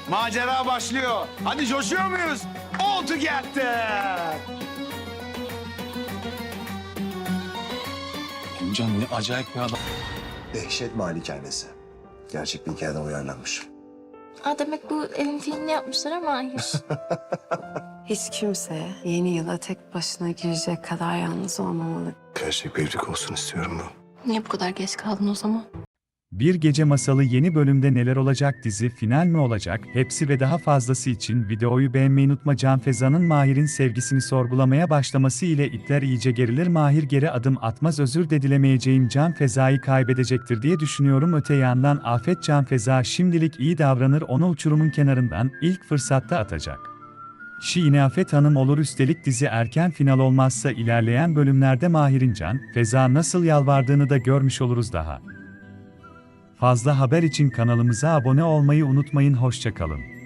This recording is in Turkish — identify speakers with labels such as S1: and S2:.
S1: Macera başlıyor. Hadi coşuyor muyuz? All together.
S2: Emcan ne acayip bir adam.
S3: Dehşet Malikanesi. Gerçek bir hikayeden uyarlanmış.
S4: Demek bu evin filmini yapmışlar ama hayır.
S5: Hiç kimse yeni yıla tek başına girecek kadar yalnız olmamalı.
S3: Gerçek bir evlilik olsun istiyorum bu.
S4: Niye bu kadar geç kaldın o zaman?
S6: Bir Gece Masalı yeni bölümde neler olacak, dizi final mi olacak, hepsi ve daha fazlası için videoyu beğenmeyi unutma. Can Feza'nın Mahir'in sevgisini sorgulamaya başlaması ile ipler iyice gerilir. Mahir geri adım atmaz, özür de dilemeyeceğim, Can Feza'yı kaybedecektir diye düşünüyorum. Öte yandan Afet Can Feza şimdilik iyi davranır, onu uçurumun kenarından ilk fırsatta atacak. Yine Afet Hanım olur. Üstelik dizi erken final olmazsa ilerleyen bölümlerde Mahir'in Can Feza nasıl yalvardığını da görmüş oluruz daha. Fazla haber için kanalımıza abone olmayı unutmayın. Hoşça kalın.